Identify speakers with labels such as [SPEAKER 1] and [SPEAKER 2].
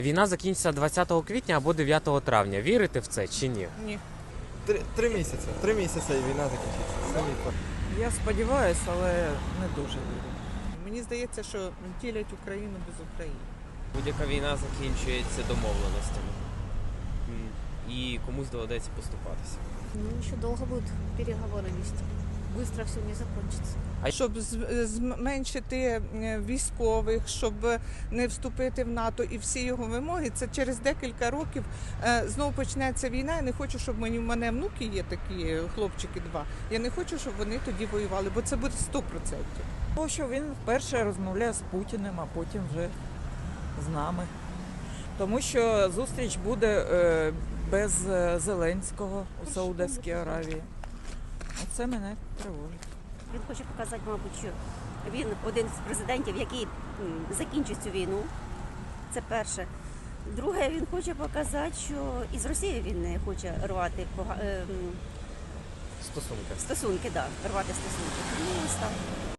[SPEAKER 1] Війна закінчиться 20 квітня або 9 травня. Вірите в це чи ні?
[SPEAKER 2] Ні.
[SPEAKER 3] Три місяці. 3 місяці і війна закінчиться.
[SPEAKER 2] Я сподіваюся, але не дуже вірю. Мені здається, що ділять Україну без України.
[SPEAKER 4] Будь-яка війна закінчується домовленостями. І комусь доведеться поступатися.
[SPEAKER 5] Ну, еще долго будут переговоры вести. Быстро все не закончится.
[SPEAKER 2] Щоб зменшити військових, щоб не вступити в НАТО і всі його вимоги, це через декілька років знову почнеться війна. Я не хочу, щоб в мене внуки є такі, хлопчики два. Я не хочу, щоб вони тоді воювали, бо це буде 100%.
[SPEAKER 6] Тому що він вперше розмовляє з Путіним, а потім вже з нами. Тому що зустріч буде без Зеленського у Саудовській Аравії. Оце мене тривожить.
[SPEAKER 7] Він хоче показати, мабуть, що він один з президентів, який закінчить цю війну. Це перше. Друге, він хоче показати, що із Росією він не хоче рвати
[SPEAKER 1] Стосунки.
[SPEAKER 7] стосунки, рвати стосунки. Ну, ось так.